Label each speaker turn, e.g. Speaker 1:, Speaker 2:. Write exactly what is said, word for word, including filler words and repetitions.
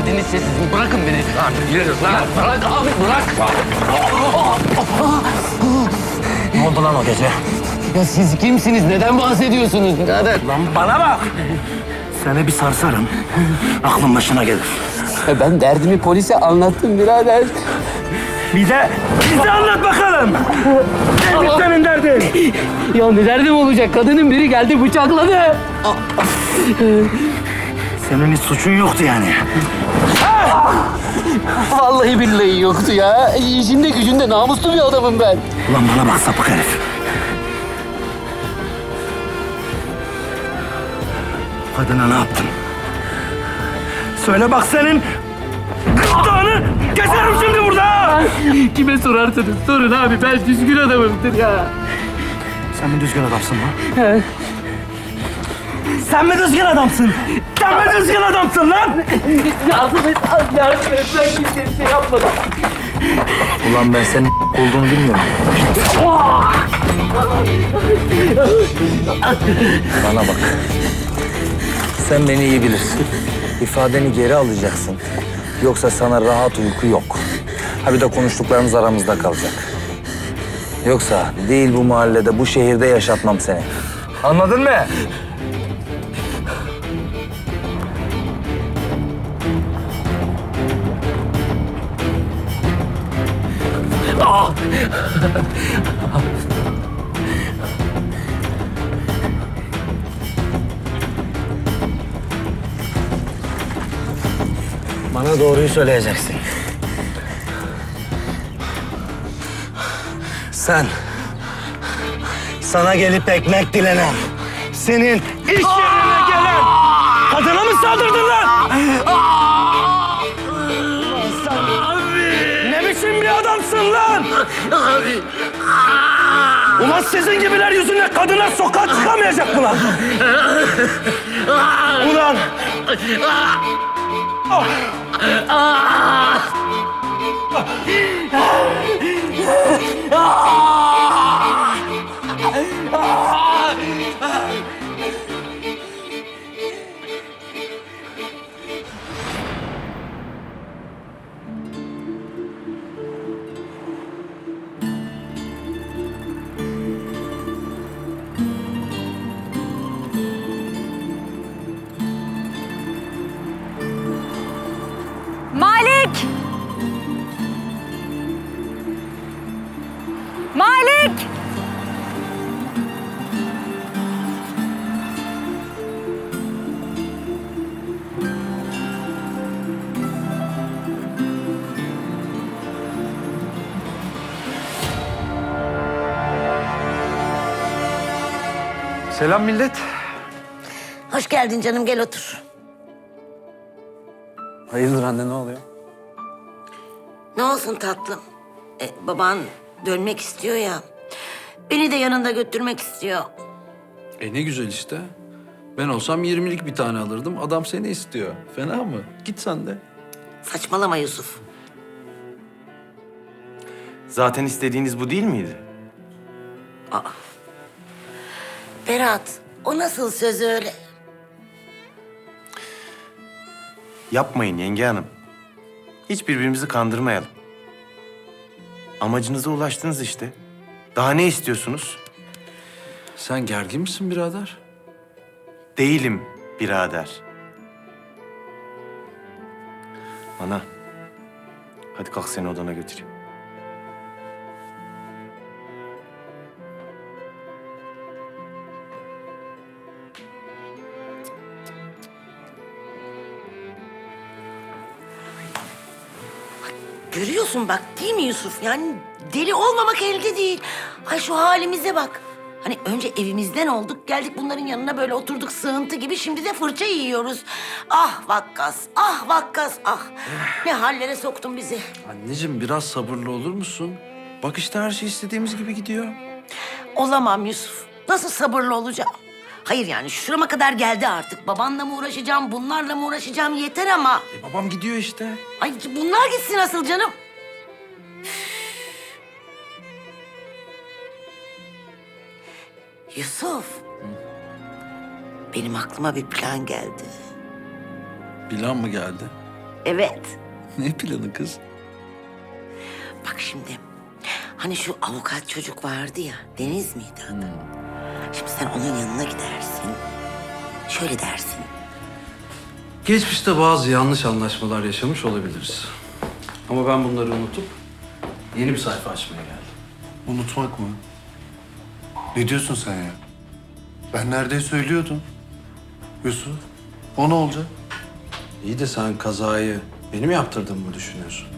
Speaker 1: derdiniz siz. Bırakın beni.
Speaker 2: Lan yürü lan.
Speaker 1: Bırak abi bırak.
Speaker 2: Ne oldu lan o gece?
Speaker 1: Ya siz kimsiniz? Neden bahsediyorsunuz birader?
Speaker 2: Lan bana bak. Seni bir sarsarım. Aklın başına gelir.
Speaker 1: Ya ben derdimi polise anlattım birader.
Speaker 2: Bir de bize anlat bakalım. Neymiş senin derdin?
Speaker 1: Ya ne derdim olacak? Kadının biri geldi bıçakladı.
Speaker 2: Senin hiç suçun yoktu yani.
Speaker 1: Vallahi billahi yoktu ya. İşinde gücünde namuslu bir adamım ben.
Speaker 2: Ulan bana bak sapık herif. Kadına ne yaptın? Söyle bak senin gırtlağını keserim şimdi burada.
Speaker 1: Kime sorarsınız? Sorun abi. Ben düzgün adamımdır ya.
Speaker 2: Sen mi düzgün adamsın lan? Sen mi düzgün adamsın? Sen mi düzgün adamsın lan?
Speaker 1: Yardım et. Yardım et. Ben kimseye bir şey yapmadım.
Speaker 2: Ulan ben senin olduğunu bilmiyorum. Bana bak. Sen beni iyi bilirsin. İfadeni geri alacaksın. Yoksa sana rahat uyku yok. Ha bir de konuştuklarımız aramızda kalacak. Yoksa değil bu mahallede, bu şehirde yaşatmam seni. Anladın mı? Bana doğruyu söyleyeceksin. Sen, sana gelip ekmek dilenen, senin iş yerine gelen kadına mı saldırdın lan? Sen ne biçim bir adamsın lan? Ulan sizin gibiler yüzünden kadınlar sokağa çıkamayacak mı lan? Ulan!
Speaker 3: Malik! Malik!
Speaker 2: Selam millet.
Speaker 4: Hoş geldin canım, gel otur.
Speaker 2: Hayırdır anne, ne oluyor?
Speaker 4: Ne olsun tatlım? E, baban dönmek istiyor ya. Beni de yanında götürmek istiyor.
Speaker 5: E ne güzel işte. Ben olsam yirmilik bir tane alırdım. Adam seni istiyor. Fena mı? Git sen de.
Speaker 4: Saçmalama Yusuf.
Speaker 6: Zaten istediğiniz bu değil miydi?
Speaker 4: Berat, o nasıl söz öyle?
Speaker 6: Yapmayın yenge hanım. Hiç birbirimizi kandırmayalım. Amacınıza ulaştınız işte. Daha ne istiyorsunuz?
Speaker 5: Sen gergin misin birader?
Speaker 6: Değilim birader. Ana, hadi kalk seni odana götüreyim.
Speaker 4: Görüyorsun bak, değil mi Yusuf? Yani deli olmamak elde değil. Ay şu halimize bak. Hani önce evimizden olduk, geldik bunların yanına böyle oturduk sığıntı gibi. Şimdi de fırça yiyoruz. Ah Vakkas, ah Vakkas, ah. Ne hallere soktun bizi.
Speaker 5: Anneciğim biraz sabırlı olur musun? Bak işte her şey istediğimiz gibi gidiyor.
Speaker 4: Olamam Yusuf. Nasıl sabırlı olacağım? Hayır yani şurama kadar geldi artık. Babanla mı uğraşacağım, bunlarla mı uğraşacağım yeter ama.
Speaker 5: E babam gidiyor işte.
Speaker 4: Ay bunlar gitsin asıl canım. Yusuf. Benim aklıma bir plan geldi.
Speaker 5: Plan mı geldi?
Speaker 4: Evet.
Speaker 5: Ne planı kız?
Speaker 4: Bak şimdi. Hani şu avukat çocuk vardı ya. Deniz miydi adı? Şimdi sen onun yanına gidersin. Şöyle dersin.
Speaker 5: Geçmişte bazı yanlış anlaşmalar yaşamış olabiliriz. Ama ben bunları unutup yeni bir sayfa açmaya geldim.
Speaker 6: Unutmak mı? Ne diyorsun sen ya? Ben neredeyse söylüyordum. Yusuf, o ne olacak?
Speaker 5: İyi de sen kazayı benim yaptırdığımı mı düşünüyorsun?